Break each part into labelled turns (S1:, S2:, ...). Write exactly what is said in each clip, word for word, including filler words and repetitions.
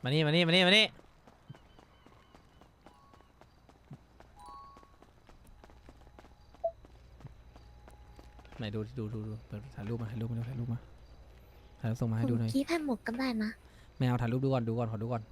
S1: มานี่มานี่มานี่มานี่ไหนดูดูดูดูถ่ายรูปมาถ่ายรูปมาถ่ายรูปมาถ่ายรูปส่งมาให้ดูหน่อย
S2: คีบให้หมดก็ได้นะ
S1: ไม่เอาถ่ายรูปดูก่อนดูก่อนขอดูก่อน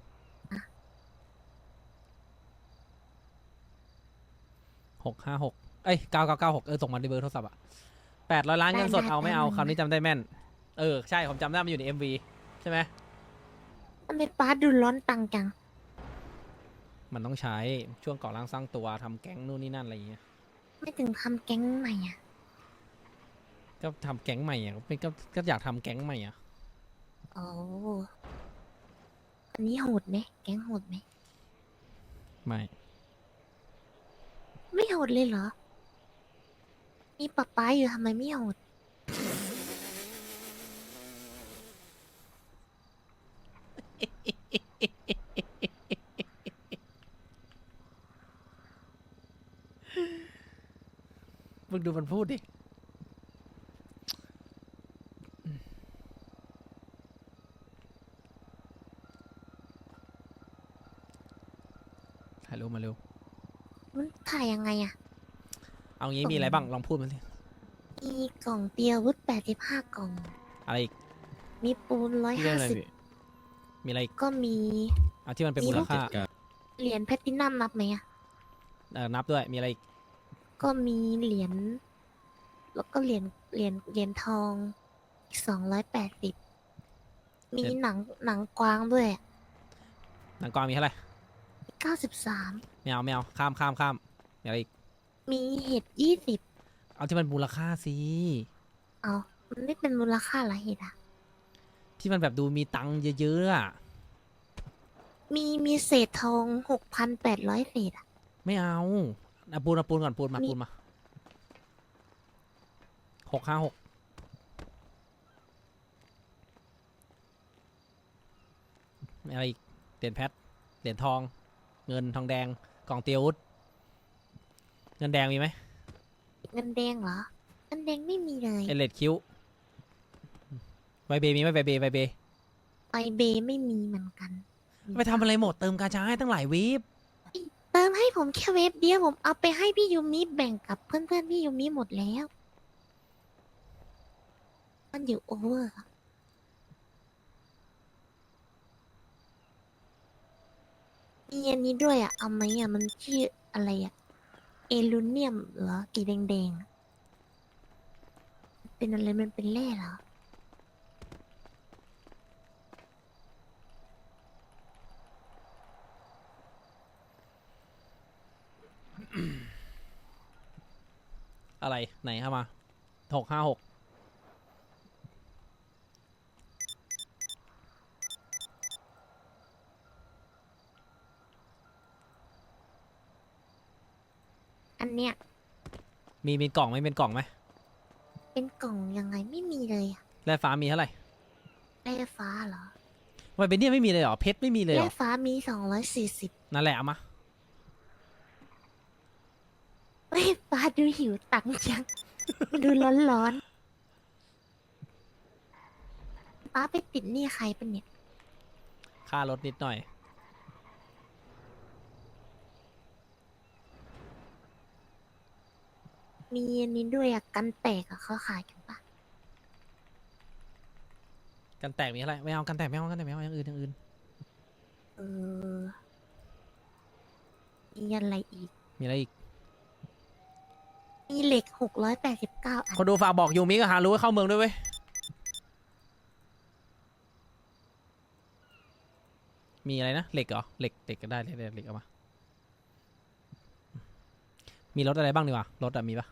S1: หกห้าหกเอ้ยเก้าเก้าเก้าหกเออส่งมาในเบอร์โทรศัพท์อะแปดร้อยล้านเงินสดเอาไม่เอาคำนี้จำได้แม่นเออใช่ผมจำได้มันอยู่ใน เอ็ม วี ใช่ไหม
S2: ทำไมป้าดูร้อนตังจัง
S1: มันต้องใช้ช่วงก่อร่างสร้างตัวทำแก๊งนู่นนี่นั่นอะไรอย่างเงี้ย
S2: ไม่ถึงทำแก๊งใหม่อ่ะ
S1: ก็ทำแก๊งใหม่อ่ะก็ก็อยากทำแก๊งใหม่อ่ะ
S2: โอ้อันนี้โหดไหมแก๊งโหดไหม
S1: ไม่
S2: ไม่โหดเลยเหรอ มีป๊าป๊าอยู่ทำไมไม่โหด
S1: มึงดูมันพูดดิถ่ายรูปมาเร็ว
S2: มันถ่ายยังไงอ่ะ
S1: เอางี้มีอะไรบ้างลองพูดมาสิ
S2: มีกล่องเตียวุธแปดสิบห้ากล่อง
S1: อะไรอีก
S2: มีปูนร้อย
S1: ที่เรื่
S2: ห้า
S1: องอะไร
S2: สิบ
S1: พี่มีอะไรอีก
S2: ก็มี
S1: เอาที่มันเป็นมูลค่า
S2: เหรียญแพลตตินัมนับไหมอ่ะ
S1: เออนับด้วยมีอะไรอีก
S2: ก็มีเหรียญ แล้วก็เหรียญ เหรียญ เหรียญทองสองร้อยแปดสิบ มีหนัง หนังกวางด้วย
S1: หนังกวางมีเท่าไหร่
S2: เก้าสิบสาม
S1: ไม่เอาไม่เอาข้ามข้ามข้ามมีอะไรอีก
S2: มีเห็ดยี่สิบ
S1: เอาที่มันมูลค่าสิ
S2: เอามันไม่เป็นมูลค่าละเห็ดอ่ะ
S1: ที่มันแบบดูมีตังค์เยอะๆอ่ะ
S2: มีมีเศษทองหกพันแปดร้อยเศษอ่ะ
S1: ไม่เอาเอาปูนเอาปูนก่อนปูนมา
S2: มี
S1: ปูนมาหกห้าหกอะไรอีกเหรียญแพทเหรียญทอง เงินทองแดงกล่องเตียววุฒเงินแดงมีไหม
S2: เงินแดงเหรอ เงินแดงไม่มีเลย
S1: เอเลดคิวไวเบมีไหมไวเบไวเบ
S2: ไอเบไม่มีเหมือนกัน
S1: ไปทำอะไรหมดเติมกาชาให้ตั้งหลายวีบ
S2: เติมให้ผมแค่เว็บเดียวผมเอาไปให้พี่ยูมิแบ่งกับเพื่อนๆพี่ยูมิหมดแล้ว มันอยู่โอเวอร์อะมีอันนี้ด้วยอ่ะ เอาไหมอ่ะ มันชื่ออะไรอ่ะ เอลูเนียมเหรอกีแดงๆอะเป็นอะไรมันเป็นแร่เหรอ
S1: อะไรไหนเข้ามาหกห้าหก
S2: อันเนี้ย
S1: มีมีกล่องไหมเป็นกล่องไหม
S2: เป็นกล่องยังไงไม่มีเลยอ่ะ
S1: แร่ฟ้ามีเท่าไหร่
S2: แร่ฟ้าเหรอ
S1: ไวเบเนี่ยไม่มีเลยเหรอเพชรไม่มีเลยเหร
S2: แร่
S1: อ
S2: ฟ้ามีสองร้อยสี่สิบ
S1: นั่นแหละเอามา
S2: เฮ้ยฟ้าดูหิวตังค์จัง ดูร้อนๆป้าไปติดหนี้ใครเป็นเนี่ย
S1: ค่ารถนิดหน่อย
S2: มีอันนี้ด้วยอ่ะ กันแตกอ่ะเขาขายกันปะ
S1: กันแตกมีเท่าไหร่ไม่เอากันแตกไม่เอากันแตกไม่เอาอย่างอื่นอย่างอื่น
S2: เออ มีอะไรอีก
S1: มีอะไรอีก
S2: มีเหล็กหกร้อยแปดสิบเก้าอัน
S1: คนดูฝากบอกยูมิกับฮารุให้เข้าเมืองด้วยเว้ยมีอะไรนะเหล็กเหรอเหล็กเหล็กก็ได้เหล็กเหล็กเอามามีรถอะไรบ้างดีกว่ารถอะมีปะ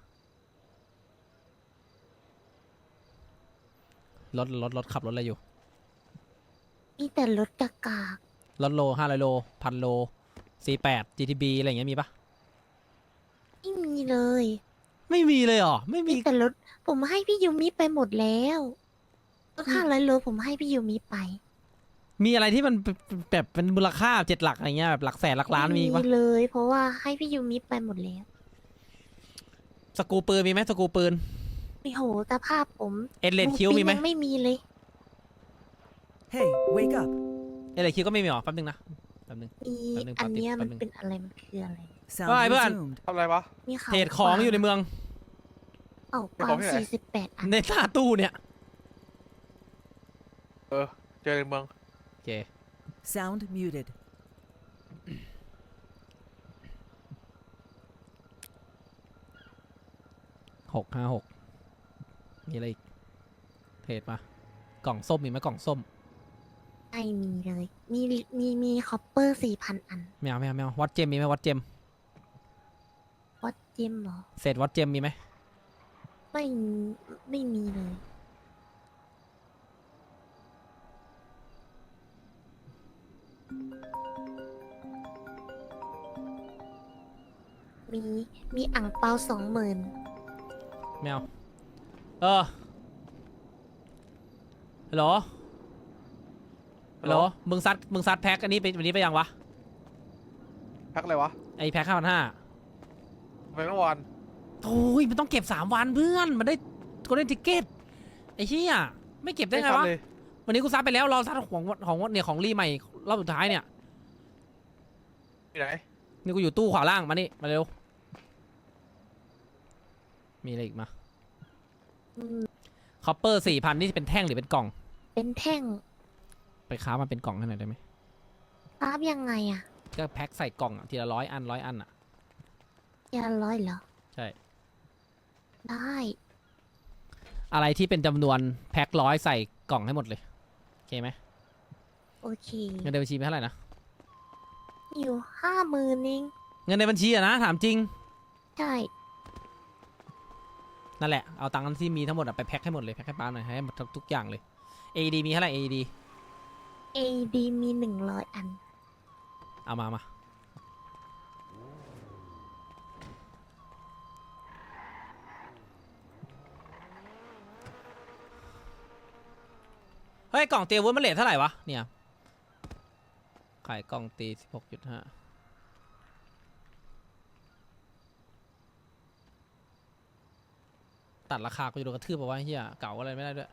S1: รถรถรถขับรถอะไรอยู่
S2: มีแต่รถกากาก
S1: รถโลห้าร้อยโลพันโลสี่แปด จี ที บี อะไรอย่างเงี้ยมีปะ
S2: ไม่มีเลย
S1: ไม่มีเลยเหรอไม่มี
S2: มีแต่รถ ผมให้พี่ยูมิไปหมดแล้วรถห้าร้อยโลผมให้พี่ยูมิไป
S1: มีอะไรที่มันแบบเป็นมูลค่าเจ็ดหลักอะไรเงี้ยแบบหลักแสนหลักล้านมีปะ
S2: เลย เพราะว่าให้พี่ยูมิไปหมดแล้ว
S1: สกรูปืนมีไหมสกรูปืน
S2: โอ้โหสภาพผม
S1: เอ็ดเลดคิวมีไหม
S2: ยังไม่มีเลย
S3: Hey, wake up.
S1: เอเลคิวก็ไม่มีหรอแป๊บนึงนะแป๊บนึง
S2: อี
S1: แป๊บนึง
S2: อันเนี้ย
S1: แป๊
S2: มั
S1: บ
S2: น
S1: นึง
S2: เป็นอะไรมันคืออะไร
S3: Sound
S1: Bye, bye.
S3: resumed.
S4: ทำอะไรวะ
S2: มีเขา
S1: เทรดของอยู่ในเมือง
S2: เอ้า
S4: เทรด
S2: ก
S4: ขอ
S2: วาง ง
S4: ที่ไหน
S2: สี่สิบแปดอัน
S1: ในตาตู้เนี่ย
S4: เออ เจอในเมือง
S1: โอเค
S3: Sound muted.
S1: หกห้าหกมีอะไรอีกเทรดมากล่องส้มมีไหมกล่องส้ม
S2: ไม่มีเลย มีมีมีคอปเปอร์สี่พันอัน
S1: ไม่เอาไม่เอาไม่เอาวัดเจมมีไหมวัดเจม
S2: วัดจิมเหรอ
S1: เศษวัดเจมมีไหม
S2: ไม่มีไม่มีเลย มีมีอ่างเปาสองหมื่น
S1: ไม่เอาเออฮัลโหลฮัลโหลมึงซัดมึงซัดแพ็คอันนี้ไปวันนี้ไปยังวะ
S4: พักอะไรวะ
S1: ไอแพ็คห้าพันห้า
S4: ไปเมื่อวาน
S1: โอ้ยมันต้องเก็บสามวันเพื่อนมันได้ก็ได้ติเกตไอ้เหี้ยไม่เก็บได้ไงวะ
S4: ม่ทันเลย
S1: วันนี้กูซัดไปแล้วรอซัดของของเนี่ยของรีใหม่รอบสุดท้ายเนี่ย
S4: ที่ไหน
S1: นี่กูอยู่ตู้ขวาล่างมานี่มาเร็วมีอะไรอีกมา
S2: อืม
S1: คอปเปอร์สี่พันนี่เป็นแท่งหรือเป็นกล่อง
S2: เป็นแท่ง
S1: ไปค้ามาเป็นกล่องให้หน่อยได้ไหม
S2: รับยังไงอะ
S1: ก็แพ็คใส่กล่องอะทีละร้อยอันร้อยอันอ่ะ
S2: ยาร้อยเหรอ
S1: ใช่
S2: ได้
S1: อะไรที่เป็นจำนวนแพ็คร้อยใส่กล่องให้หมดเลยโอเคไหม
S2: โอเค
S1: เงินในบัญชีเป็นเท่าไหร่นะ
S2: อยู่ห้าหมื่นเอง
S1: เงินในบัญชีอะนะถามจริง
S2: ใช่
S1: นั่นแหละเอาตังค์ที่มีทั้งหมดอะไปแพ็คให้หมดเลยแพ็คให้ป้าหน่อยให้หมดทุกอย่างเลย เอ ดี มีเท่าไหร่ เอ ดี
S2: เอดีมีหนึ่งร้อยอัน
S1: เอามามาเฮ้ยกล่องเตียวุ้นมันเลทเท่าไหร่วะเนี่ยขายกล่องตีสิบหกจุดห้าตัดราคาก็จะโดนกระทืบไปว่าเฮียเก่าอะไรไม่ได้ด้วย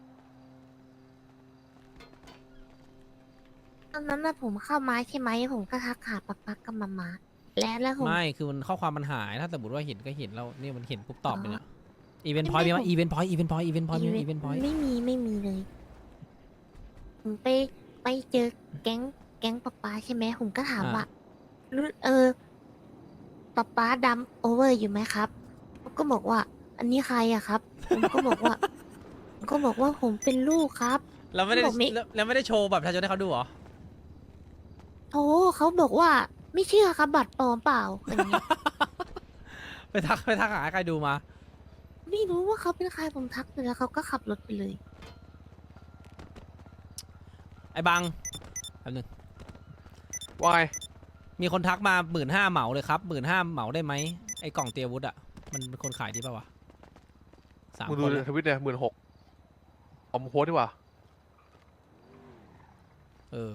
S2: ตอนนั้นนะผมเข้าไม้ใช่ไหมผมก็ทักหาปักปักกับมามาแล้วแล้วผม
S1: ไม่คือมันข้อความมันหายถ้าสมมติว่าเห็นก็เห็นแล้วนี่มันเห็นปุ๊บตอบไป
S2: อ๋อ
S1: เนี่ยอีเวนต์พ
S2: ไม่
S1: อยต์มีไหม
S2: ผม
S1: อีเวนต์พอยต์อีเวนต์พอยต์อีเวนต์พอยต์มีไหม
S2: อี
S1: อี
S2: เว
S1: เวน นต์พอยต์
S2: ไม่มีไม่มีเลย ผมไปไปเจอแก๊งแก๊งป๊าป๊าใช่ไหมผมก็ถามว่ารู้เออป๊าป๊าดำโอเวอร์อยู่ไหมครับเขาก็บอกว่า อันนี้ใครอะครับ ผมก็บอกว่าผมก็บอกว่าผมเป็นลูกครับ
S1: เราไม่ได้
S2: บอกไม่
S1: แล้วแล้วไม่ได้โชว์แบบประชาชนให้เขาดูเหรอ
S2: โธ่เขาบอกว่าไม่เชื่อครับบัตรปลอมเปล่าอย่างเงี้ย
S1: ไปทักไปทักหาใครดูมา
S2: ไม่รู้ว่าเขาเป็นใครผมทักไปแล้วเขาก็ขับรถไปเลย
S1: ไอ้บังแป๊บนึง
S4: วาย
S1: มีคนทักมาหมื่นห้าเหมาเลยครับหมื่นห้าเหมาได้ไหมไอ้กล่องเตียวุฒอะมันเป็นคนขายดีป่าวะสาม
S4: มึง
S1: ค
S4: ดู
S1: นเลย
S4: ทวิตเนี่ยหมื่นหกเอามาโพสดีกว่า
S1: เออ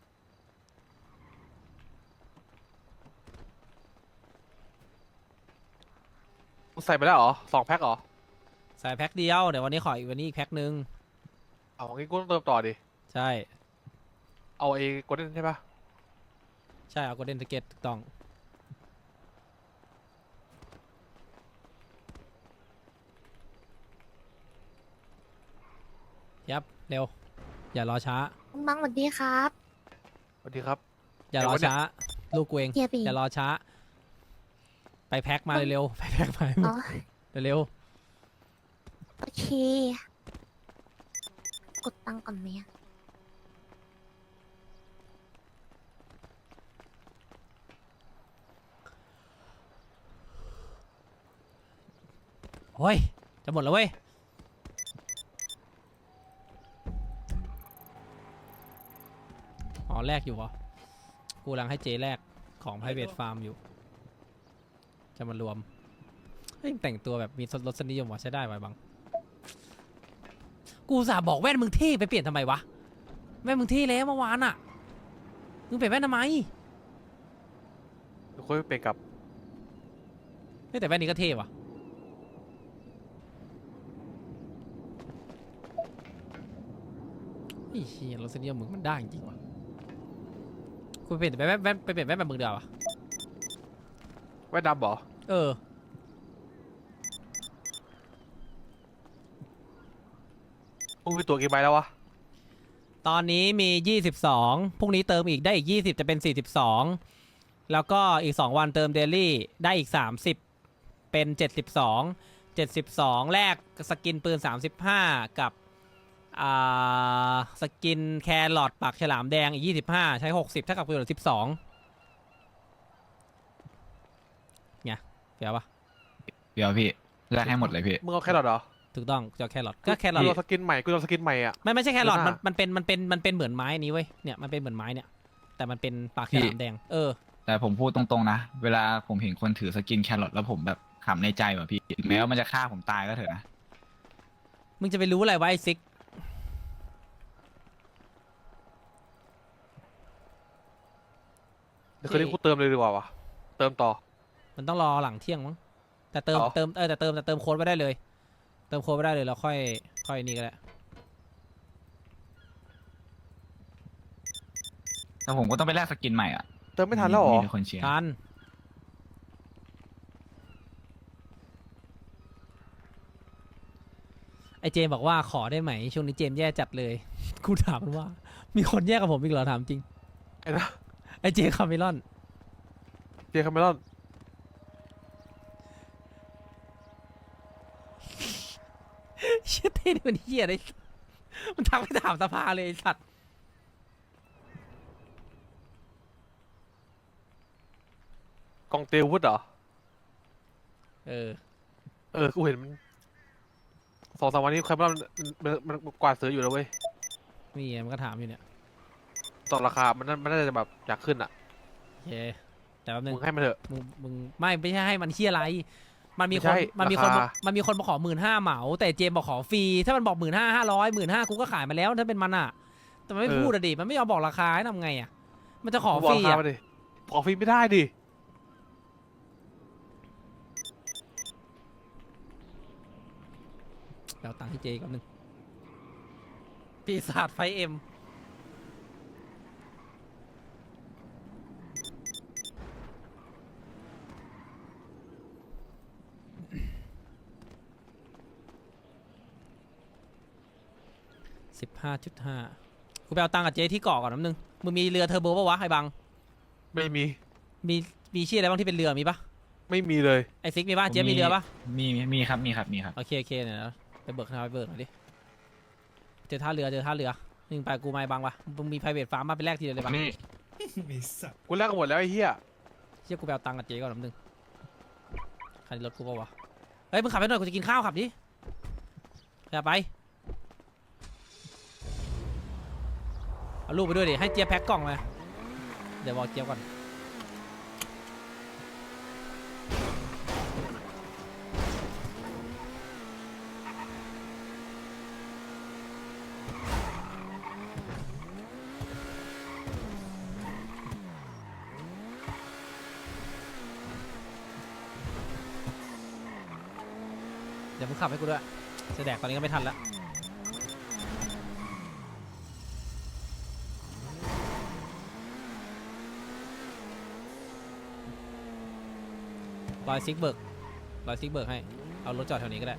S4: มึงใส่ไปแล้วเหรอสองแพ็คเหรอ
S1: ใส่แพ็คเดียวเดี๋ยววันนี้ขออีกวันนี้อีกแพ็คนึง
S4: เอางี้กูต้องเติมต่อดิ
S1: ใช่
S4: เอาไอ้โกลเด้นใช่ปะ
S1: ใช่เอาโกลเด้นสเก็ตถูกต้องยับเร็วอย่ารอช้า
S2: คุณบังสวัสดีครับ
S4: สวัสดีครับ
S1: อย่ารอช้าลูกกูเอง
S2: เฮียปี
S1: อย่ารอช้า ไปแพ็คมาเร็วๆไปแพ็คมา
S2: อ๋อ
S1: เร็ว
S2: โอเค กดตังค์ก่อนไหมอะ
S1: ๆโอ้ยจะหมดแล้วเว้ยอ๋อแลกอยู่เหรอกูกำลังให้เจแลกของ private farm อยู่ จะมารวมเฮ้ยแต่งตัวแบบมีรสนิยมว่ะใช้ได้ไว้บังกูอุตสาห์บอกแว่นมึงเท่ไปเปลี่ยนทำไมวะแว่นมึงเท่แล้วเมื่อวานอ่ะมึงเปลี่ยนแว่นทำไม
S4: เดี๋ยวค่อยไปกับ
S1: เฮ้ยแต่แว่นนี้ก็เท่ว่ะไอ้เหี้ยรสนิยมมึงมันได้จริงว่ะกูเปลี่ยนไปแว่นแว่นไปเปลี่ยนแว่นแบบมึงเดียวอะ
S4: แว่นดำเหรอ
S1: เออ
S4: มึงมีตัวกี่ใบแล้ววะ
S1: ตอนนี้มียี่สิบสองพรุ่งนี้เติมอีกได้อีกยี่สิบจะเป็นสี่สิบสองแล้วก็อีกสองวันเติมเดลี่ได้อีกสามสิบเป็นเจ็ดสิบสอง เจ็ดสิบสองแลกสกินปืนสามสิบห้ากับอ่าสกินแครอทปากฉลามแดงอีกยี่สิบห้าใช้หกสิบเท่ากับปืนเหลือสิบสองไงเดี๋ยวปะ
S5: เดี๋ยวพี่แลกให้หมดเลยพี่
S4: มึงเอาแครอทเหรอ
S1: ถูกต้องจะเอาแครอทก็แครอท
S4: กูเอาสกินใหม่กูเอาสกินใหม่อ่ะ
S1: ไม่ไม่ใช่แครอท
S4: เดี๋ยว
S1: มัน
S4: นะ
S1: มันเป็นมันเป็นมันเป็นเหมือนไม้นี้เว้ยเนี่ยมันเป็นเหมือนไม้เนี่ยแต่มันเป็นปากฉลามแดงเออ
S5: แต่ผมพูดตรงๆนะ เวลาผมเห็นคนถือสกินแครอทแล้วผมแบบขำในใจว่ะพี่ถึงแม้ว่ามันจะฆ่าผมตายก็เถอะนะ
S1: มึงจะไปรู้อะไรวะไอซิก
S4: เดี๋ยวคืนนี้กูเติมเลยดีกว่าวะเติมต่อ
S1: มันต้องรอหลังเที่ยงมั้งแต่เติม
S4: อ๋อ
S1: เติมเออแต่เติมแต่เติมโค้ดไว้ได้เลย เติมโค้ดไว้ได้เลยแล้วค่อยค่อยนี่ก็ได้
S5: แต่ผมก็ต้องไปแลกสกินใหม่อ่ะ
S4: เติมไม่ทันแล้วเหรอ
S5: มีแต่คนเชียร์
S1: ทันไอเจมบอกว่าขอได้ไหมช่วงนี้เจมแย่จัดเลย กูถามมันว่า มีคนแย่กับผมอีกเหรอถามจริง
S4: ไอ้นะ
S1: ไอเจคาเมลอน
S4: เจคาเมรอน
S1: เชี่ยเท่นี่มันเฮียเลยมันทักไปถามสภาเลยไอ้สัตว์
S4: กองเตลวุฒเหรอ
S1: เออ
S4: เออ กูเห็นมันสองสามวันนี้คาเมรอนมันมันมันกวาดซื้ออยู่แล้วเว้ย
S1: นี่ไงมันก็ถามอยู่เนี่ย
S4: ต่อราคา มันน่ามันน่าจะแบบอยากขึ้นอ่ะ
S1: โอเคแต่แป๊บนึ
S4: มึ
S1: ง
S4: งให้มันเถอะ
S1: มึงมึงไม่ไม่ใช่ให้มันเฮียอะไร มันมี
S4: ไม่
S1: คน
S4: ใช่
S1: มันมีคนมา
S4: ราคา
S1: มันมีคนมาขอหมื่นห้าเหมา แต่เจมบอกขอฟรีถ้ามันบอกหมื่นห้าห้าร้อยหมื่นห้ากูก็ขายมาแล้วถ้าเป็นมันอ่ะ แต่มันไม่พูดอะดิมันไม่ยอมบอกราคาให้ทำไงอ่ะมันจะขอ
S4: มึงบ
S1: ฟ
S4: อก
S1: รี
S4: ราคา
S1: อ่ะ
S4: มาดิขอฟรีไม่ได้ดิ
S1: เดี๋ยวตังค์ที่เจอีกแป๊บนึงปีศาจไฟเอ็มสิบห้าจุดห้ากูไปเอาตังค์กับเจที่เกาะก่อนน้ำนึงมึงมีเรือเทอร์โบปะวะไอ้บัง
S4: ไม่มี
S1: มีมีชื่ออะไรบ้างที่เป็นเรือมีปะ
S4: ไม่มีเลย
S1: ไอซิกมีปะเจมีเรือปะ
S5: มีมีมีครับมีครับมีครับ
S1: โอเคโอเคเนี่ยนะไปเบิกท่าไปเบิกหน่อยดิเจอท่าเรือเจอท่าเรือหนึ่งไปกูไม่บังปะมึงมี private farm มาไปแลกทีเดียวเลยปะ
S5: นี่
S4: กูแลกกันหมดแล้วไอ้เหี้ย
S1: เชี่ยกูไปเอาตังค์กับเจก่อนน้ำนึงคันนี้รถกูปะวะเฮ้ยมึงขับไปหน่อยกูจะกินข้าวขับดิอย่าไปเอาลูกไปด้วยดิให้เจี๊ยบแพ็คกล่องมาเดี๋ยวบอกเจี๊ยบก่อนเดี๋ยวมึงขับให้กูด้วยจะแดกตอนนี้ก็ไม่ทันละรอยซิกเบิร์กรอยซิกเบิร์กให้เอารถจอดแถวนี้ก็ได้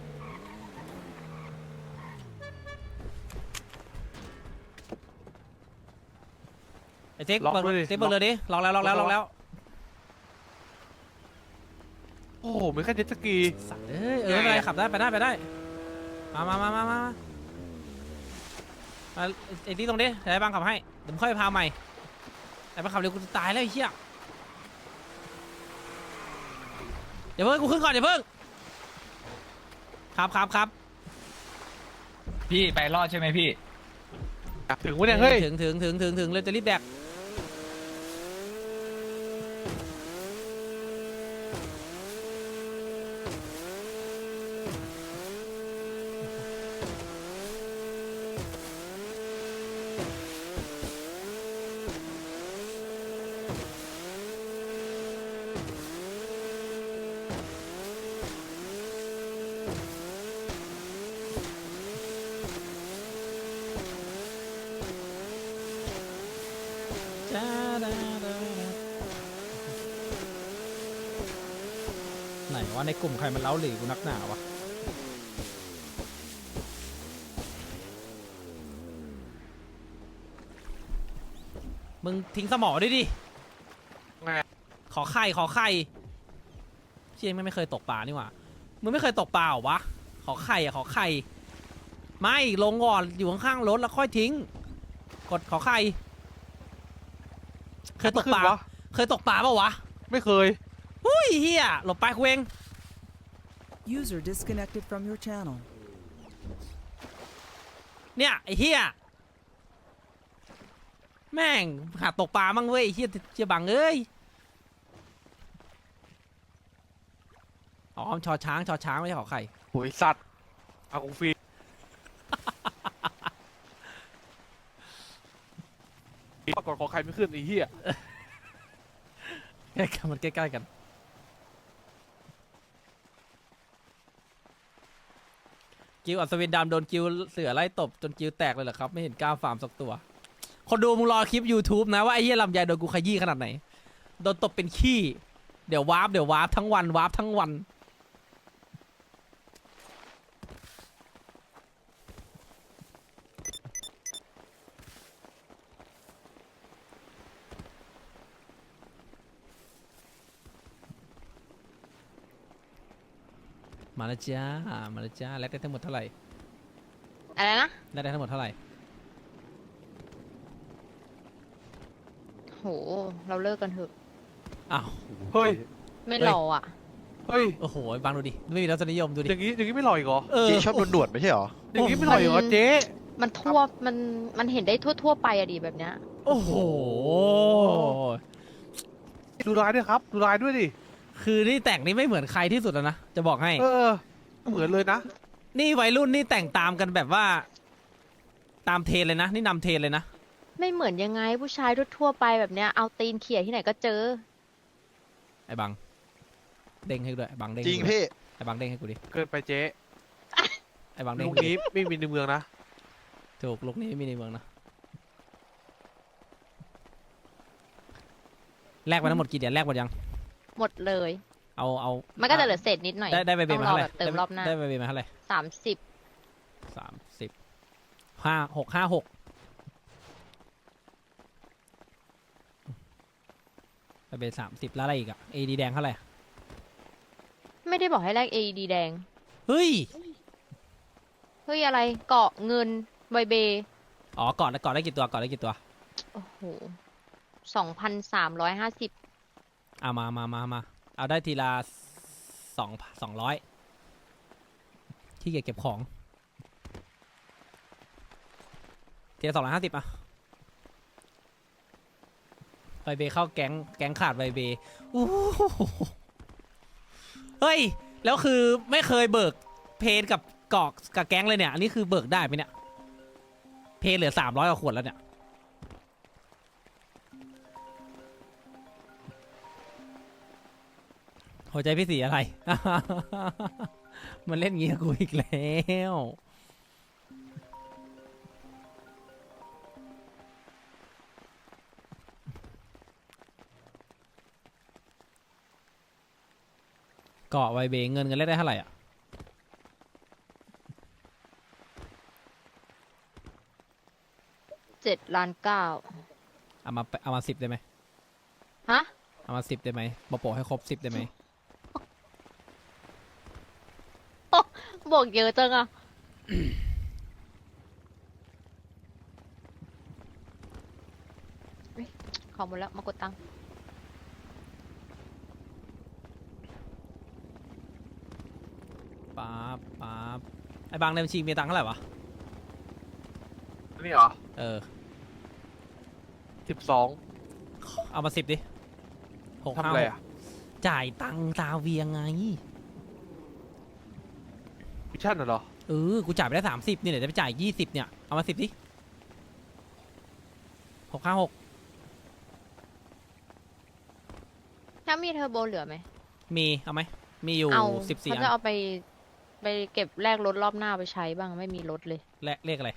S1: ไอ้ซิก
S4: ล็อก
S1: เบิร์ก
S4: ด้วยดิ
S1: ซิกเบิร์กเลยดิล็อกแล้วล็อกแล้วล็อกแล้ว
S4: โอ้โหมีแค่เจ็ตสกี
S1: สัตว์เอ้ยเออไม่เป็นไรขับได้ไปได้ไปได้มามามามามามาไอ้ที่ตรงนี้เดี๋ยวไอ้บังขับให้เดี๋ยวมึงค่อยไปพาใหม่ไอ้บังขับเร็วกูจะตายแล้วไอ้เหี้ยเดี๋ยวเพิ่งกูขึ้นก่อนเดี๋ยวเพิ่งครับครับครับ
S5: พี่ไปรอดใช่ไหมพี่
S4: ถึงวะเนี่ยเฮ้ย
S1: ถึงถึงถึงถึงถึงเลยจะรีบแดกไหนว่าในกลุ่มใครมันเล้าหลีกูนักหนาวะมึงทิ้งสมอด้วยดิ
S4: ไง
S1: ขอไข่ขอไข่เชี่ยไม่งไม่เคยตกปลานี่หว่ามึงไม่เคยตกปลาเหรอวะขอไข่อะขอไข่ไม่ลงก่อนอยู่ข้างๆรถแล้วค่อยทิ้งกดขอไข่เคยตกปลา
S4: ขึ้นวะ
S1: เคยตกปลาเปล่าวะ
S4: ไม่เคย
S1: หุ้ยเฮียหลบไปกูเอง
S3: User disconnected from your channel.
S1: เนี่ยไอ้เฮียแม่งหาตกปลามั่งเว้ยไอ้เฮียเจียบังเอ้ยอ๋อชอช้างชอช้างไม่ใช่ขอไข่
S4: โหยสัตว์เอากูฟรี ปรากฏขอใครไม่ขึ้นไอ้เหี้ย
S1: ใกล้กันมันใกล้ๆกันกิวอัศวินดำโดนกิวเสือไล่ตบจนกิวแตกเลยเหรอครับไม่เห็นกล้าฟาร์มสักตัวคนดูมึงรอคลิป YouTube นะว่าไอ้เหี้ยลำไยโดนกูขยี้ขนาดไหนโดนตบเป็นขี้เดี๋ยววาร์ปเดี๋ยววาร์ปทั้งวันวาร์ปทั้งวันมาแล้วจ้ามาแล้วจ้าแลกได้ทั้งหมดเท่าไหร่
S6: อะไรนะ
S1: แลกได้ทั้งหมดเท่าไหร่
S6: โห เราเลิกกันเถอะ
S1: อ้าว
S4: เฮ้ย
S6: ไม่
S1: เฮ้ย
S6: รออ่ะ
S4: เฮ้ย
S1: โอ้โหบางดูดิไม่มีรสนิยมดูดิ
S4: อย่างงี้อย่างงี้ไม่หล่อยเหรอ
S1: เออ
S7: เจ๊ชอบโดนหนวดไม่ใช่เหรอ
S4: อย่างงี้ไม่หล่อยเหรอเจ๊
S6: มันทั่ว มัน มันเห็นได้ทั่วทั่วๆไปอะดีแบบเนี้ย
S1: โอ้โห
S4: ดูลายด้วยครับดูลายด้วยดิ
S1: คือนี่แต่งนี่ไม่เหมือนใครที่สุดแล้วนะ จะบอกให้
S4: เออเหมือนเลยนะ
S1: นี่วัยรุ่นนี่แต่งตามกันแบบว่า ตามเทรนเลยนะ นี่นำเทรนเลยนะ
S6: ไม่เหมือนยังไงผู้ชายทั่วๆไปแบบเนี้ย เอาตีนเขี่ยที่ไหนก็เจอ
S1: ไอ้บัง เด้งให้กูด้วยไอ้บังเด้ง
S7: จริง
S1: ให้กูด้วย
S7: พี่
S1: ไอ้บังเด้งให้กูดิ
S4: เกินไปเจ๊
S1: ไอ้บังเด้ง
S4: ลูก
S1: ให้กู
S4: นี้
S1: ดิ
S4: ไม่มีในเมืองนะ
S1: ถูกลูกนี้ไม่มีในเมืองนะ แลกไปทั้งหมดกี่เดือนแลกหมดยัง
S6: หมดเลย
S1: เอาเอา
S6: มันก็จะเหลือเศษนิดหน่อย
S1: ได้ได้ใบเบ
S6: ต้
S1: น
S6: อง
S1: มาร
S6: อ
S1: เท่าไหร่
S6: แบบเติมรอบหน้า
S1: ได้ใบเบนมาเท่าไหร่
S6: สามสิบ
S1: สามสิบห้าหกห้าหกใบเบนสามสิบแล้วอะไรอีกอะเอดีแดงเท่าไหร่
S6: ไม่ได้บอกให้แลก เอ อี ดี แดง
S1: เฮ้ย
S6: เฮ้ยอะไร เกาะเงินใบเบ
S1: อ๋อก่อนก่อนได้กี่ตัวก่อนได้กี่ตัว
S6: โอ้โห สองพันสามร้อยห้าสิบ
S1: เอามามามามาเอาได้ทีละสองสองร้อยที่เก็บเก็บของทีละสองร้อยห้าสิบอะไวเบเข้าแก๊งแก๊งขาดไวเบอู้หูเฮ้ย แล้วคือไม่เคยเบิกเพนกับเกาะกับแก๊งเลยเนี่ย อันนี้คือเบิกได้ไหมเนี่ย เพนเหลือสามร้อยกว่าขวดแล้วเนี่ย หัวใจพี่สีอะไร มันเล่นงี้กับกูอีกแล้วเกาะไวเบเงินกันเล่นได้เท่าไหร่อ่ะ
S6: เจ็ดล้านเก้า
S1: เอามาเอามาสิบได้ไหม
S6: ฮะ
S1: เอามาสิบได้ไหมบอโปะให้ครบสิบได้ไหม
S6: บวกเยอะจังอะเฮ้ยขอหมดแล้ว มากดตังค์
S1: ป๊าบป๊าบไอ้บางในบัญชีมีตังค์เท่าไหร่วะ
S4: นี่เหรอ
S1: เออ
S4: สิบสอง
S1: เอามาสิบดิหก
S4: ทำ
S1: ห้า
S4: อะไร
S1: หก
S4: อ่ะ
S1: จ่ายตังค์ตาเวียงไง
S4: มิชชั่นเหรอ
S1: เออ กูจ่ายไปได้สามสิบนี่เดี๋ยวจะไปจ่ายยี่สิบเนี่ย เอามาสิบดิหกห้าหก
S6: ถ้ามีเทอร์โบเหลือไหม
S1: มี เอาไหม มีอยู่
S6: เอา
S1: สิบสี่
S6: เขา
S1: อัน
S6: จะเอาไป ไปเก็บแลกรถรอบหน้าไปใช้บ้าง ไม่มีรถเลย
S1: เลขเลขอะไร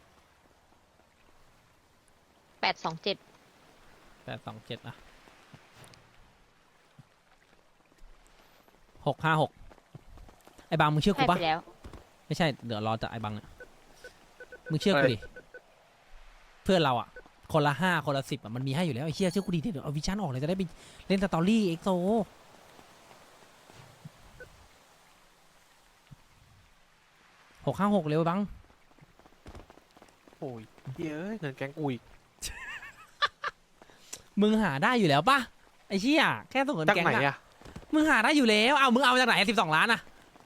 S6: แปดสองเจ็ด
S1: แปดสองเจ็ดอะหกห้าหกไอ้บางมึงเชื่อกู
S6: ให้
S1: ปะ
S6: ไปแล้ว
S1: ไม่ใช่เดี๋ยวรอจากไอ้บางเนี่ยมึงเชื่อกูดิเพื่อนเราอ่ะคนละห้าคนละสิบอ่ะมันมีให้อยู่แล้วไอ้เชี่ยเชื่อกูดิเดี๋ยวเอาวิชั่นออกเลยจะได้ไปเล่นสตอรี่เอ็กโซหกห้าหกเร็วบัง
S4: โอ้ยเหี้ยเอ้ยเงินแก๊งกูอีก
S1: มึงหาได้อยู่แล้วปะไอ้เชี่ยแค่ส่งเงิน
S4: จาก
S1: แก๊ง
S4: ไหน
S1: อะ
S4: อะ
S1: มึงหาได้อยู่แล้วเอามึงเอามาจากไหนสิบสองล้านอะ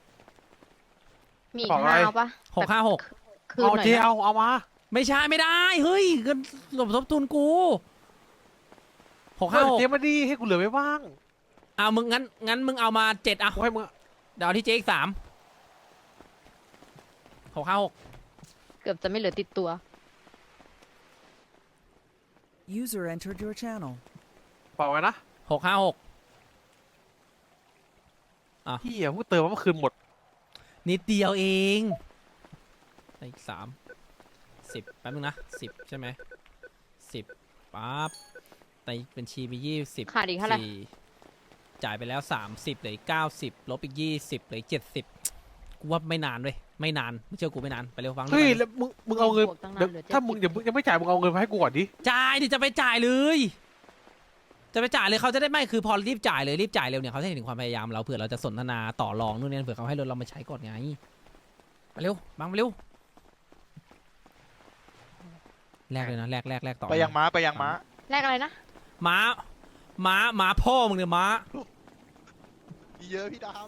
S6: มีอี
S4: บ
S6: ก
S4: อกอะไร
S6: ห้าเอาปะ
S1: หกห้าหก
S6: คืน
S4: เอา
S6: หน่อย
S4: เจ
S6: นะ
S4: เอาเอามา
S1: ไม่ใช่ไม่ได้เฮ้ยเงินสมทบทุนกูหก
S4: เอ
S1: ห้า
S4: อ
S1: หก
S4: เจมาดีให้กูเหลือไว้บ้าง
S1: เอามึงงั้นงั้นมึงเอามาเจ็ดเอา
S4: กูให้มึง
S1: เดี๋ยวเอาที่เจ๊อีกสามหกห้าหก
S6: เกือบจะไม่เหลือติดตัว
S3: User entered your channel.
S4: เปล่าไว้นะ
S1: หกห้าหก
S4: เฮียเพิ่งเติมมาเมื่อคืนหมด
S1: นิดเดียวเองได้อีกสามสิบแป๊บนึงนะสิบใช่ไหมสิบปั๊บในบัญชีมียี่สิบ
S6: ขาดอีกเท่าไหร่
S1: จ่ายไปแล้วสามสิบเหลืออีกเก้าสิบลบอีกยี่สิบเหลือเจ็ดสิบกูว่าไม่นานเลยไม่นานไม่เชื่อกูไม่นานไปเร็วฟัง
S4: เฮ้ย
S1: ไป
S4: แล้วมึงมึงเอาเงิน
S6: บวกตั้งนาน
S4: เดี๋ยว
S6: เหลือ
S4: ถ้ามึง
S6: เจ็ดสิบ
S4: ยังยังไม่จ่ายมึงเอาเงินมาให้กูก่อนดิ
S1: จ่ายดิจะไปจ่ายเลยจะไปจ่ายเลยเขาจะได้ไม่คือพอรีบจ่ายเลยรีบจ่ายเร็วเนี่ยเขาจะเห็นถึงความพยายามเราเผื่อเราจะสนทนาต่อรองนู่นนี่เผื่อเขาให้รถเรามาใช้ก่อนไงไปเร็วบังไปเร็วแลกเลยนะแลกแลกแลกต่อ
S7: ไปยังม้าไปยังม้า
S6: แลกอะไรนะ
S1: ม้าม้าม้าพ่อมึงเนี่ยม้า
S7: มีเยอะพี่ดาม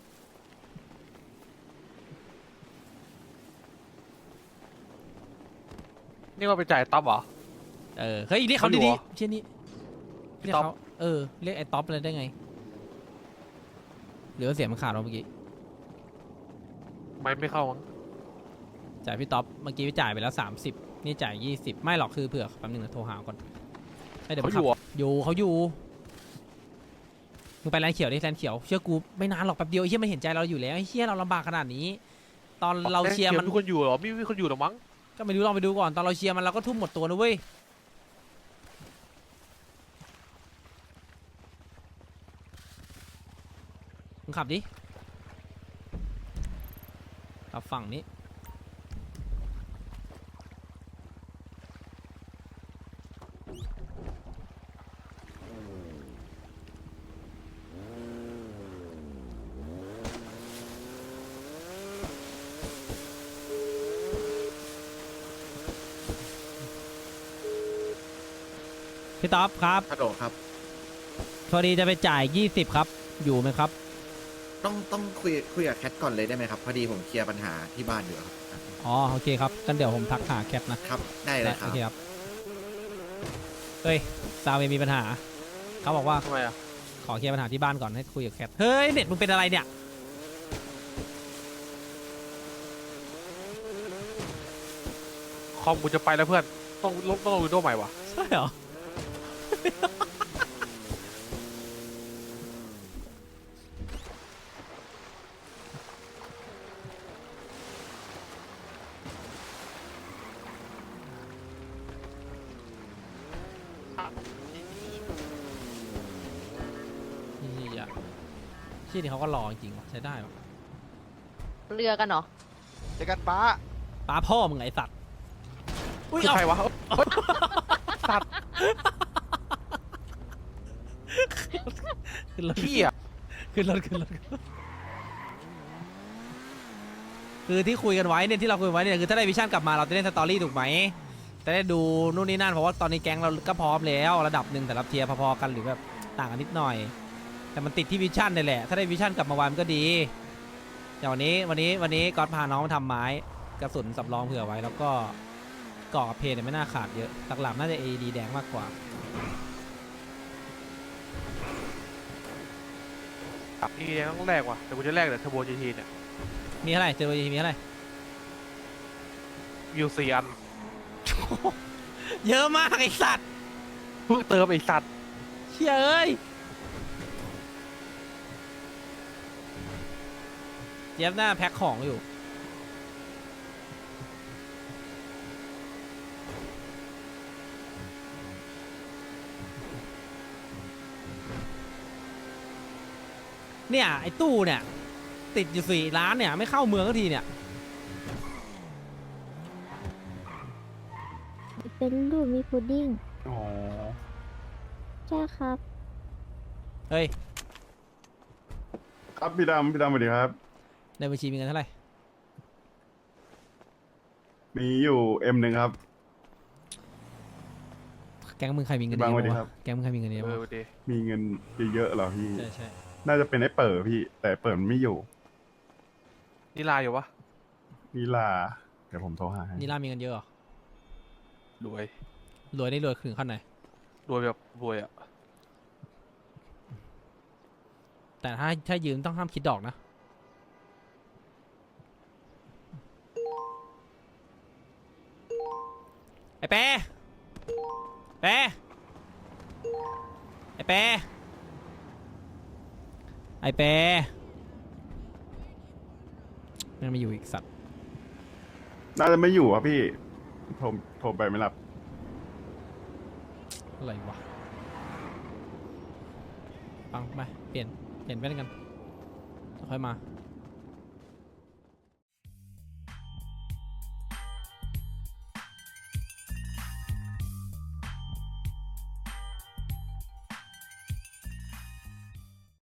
S4: นี่ว่าไปจ่ายต๊อบเหรอ
S1: เออเฮ้ยเรียกเขา
S4: เขาอยู่
S1: ดี
S4: เหรอ
S1: ๆเช่นนี้เรียก
S4: ต๊อป
S1: เขาเออเรียกไอ้ท็อปเลยได้ไงหรือว่าเสียงมันขาดเราเมื่อกี้
S4: ไม่ไม่เข้ามั้ง
S1: จ่ายพี่ท็อปเมื่อกี้พี่จ่ายไปแล้วสามสิบนี่จ่ายยี่สิบไม่หรอกคือเผื่อแป๊บนึงนะโทรหาก่อนให้เดี๋ยว
S4: เขา
S1: มัน
S4: อ
S1: ขับ
S4: ยู่เหรอ
S1: อยู่เขาอยู่มึงไปแลนด์เขียวดิแลนด์เขียวเชื่อกูไม่นานหรอกแป๊บเดียวไอ้เหี้ยมันเห็นใจเราอยู่แล้วไอ้เหี้ยเราลำบากขนาดนี้ ตอนเราเชียร์มัน
S4: มีคนอยู่เหรอไม่มีคนอยู่หรอมั้ง
S1: ก็ไม่รู้ลองไปดูก่อนตอนเราเชียร์มันเราก็ทุ่มหมดตัวนะเว้ยมึงขับดิขับฝั่งนี้พี่ต๊อบครับ
S8: ฮัลโหลครับ
S1: พอดีจะไปจ่ายยี่สิบครับอยู่ไหมครับ
S8: ต้องต้องคุยคุยกับแคทก่อนเลยได้ไหมครับ พอดีผมเคลียร์ปัญหาที่บ้านอยู่ครับ
S1: อ๋อโอเคครับกันเดี๋ยวผมทักหาแคปนะครับ
S8: ได้เลยค
S1: โอ
S8: รับ
S1: เคครับเฮ้ยซาวเวย์มีปัญหาเขาบอกว่า
S4: ทำไมอ่ะ
S1: ขอเคลียร์ปัญหาที่บ้านก่อนให้คุยกับแคทเฮ้ยเน็ตมึงเป็นอะไรเนี่ย
S4: คอมกูจะไปแล้วเพื่อนต้องลบต้องลงวิดีโอใหม่ว่ะ
S1: ใช่เหรอ นี่อ่ะที่นี่เขาก็รอจริงๆว่ะใช้ได้ปะ
S6: เรือกันเหรอ
S7: เจอกันป้า
S1: ป้าพ่อมึงไอสัตว์อุ้ย
S4: คือ
S1: เอา
S4: ใครวะเฮ้ยสัตว์
S1: ขึ้นรถ
S4: เฮีย
S1: ขึ้นรถขึ้นรถคือที่คุยกันไว้เนี่ยที่เราคุยกันไว้เนี่ยคือถ้าได้วิชั่นกลับมาเราจะเล่นสตอรี่ถูกไหมจะได้ดูนู่นนี่นั่นเพราะว่าตอนนี้แก๊งเราก็พร้อมแล้วระดับหนึ่งแต่ละเทียร์พอๆกันหรือแบบต่างกันนิดหน่อย แต่มันติดที่วิชั่นนี่แหละถ้าได้วิชั่นกลับมาวานก็ดีอย่างวันนี้วันนี้วันนี้ก๊อตพาน้องมาทำไม้กระสุนสำรองเผื่อไว้แล้วก็เกาะกับเพลเนี่ยไม่น่าขาดเยอะหลักๆน่าจะ เอ ดี แดงมากกว่า
S4: นี่ยังต้องแลกว่ะแต่กูจะแลกแต่เทอร์โบจีทีเนี่ย
S1: มีเท่าไหร่เจอมีเท่าไหร่
S4: วิวสี่อัน
S1: เยอะมากไอสัตว์
S4: เพิ่งเติมไอ้สัตว์
S1: เชี่ยเอ้ยเจี๊ยบหน้าแพ็คของอยู่เนี่ยไอ้ตู้เนี่ยติดอยู่สี่ล้านเนี่ยไม่เข้าเมืองสักทีเนี่ย
S2: เป็นรูปมีพุดดิ้ง
S9: อ๋อ
S2: ใช่ครับ
S1: เฮ้ย
S9: ครับพี่ดำพี่ดำสวัสดีครับ
S1: ในบัญชีมีเงินเท่าไหร่
S9: มีอยู่เอ็มหนึ่งครับ
S1: แก๊งมึงใครมีเงิน
S9: บาง
S1: เย
S9: สวัสดี
S1: อะ
S9: ครั
S1: วะ
S9: บ
S1: แก๊งมึงใครมีเงินเยอะ
S4: เออ
S1: วะ
S4: ดี
S9: มีเงินเยอะๆเหรอพี่
S1: ใช่ใช่
S9: น่าจะเป็นไอ้เปิดพี่ แต่เปิดมันไม่อยู่
S4: นี่ลาอยู่วะ
S9: นิลา เดี๋ยวผมโทรหาให้
S1: นี่ล่ามีเงินเยอะเหรอ
S4: รวย
S1: รวยได้รวยถึงขั้นไหน
S4: รวยแบบรวยอ่ะ
S1: แต่ถ้าถ้ายืมต้องห้ามคิดดอกนะ ไอ้เป้เป้ไอ้เป้ไอ้เป้ยังไม่อยู่อีกสัตว์
S9: น่าจะไม่อยู่ครับพี่ โทรโทรไปไม่รับ
S1: อะไรวะฟังไปเปลี่ยน เปลี่ยนแว่นกันแล้วค่อยมา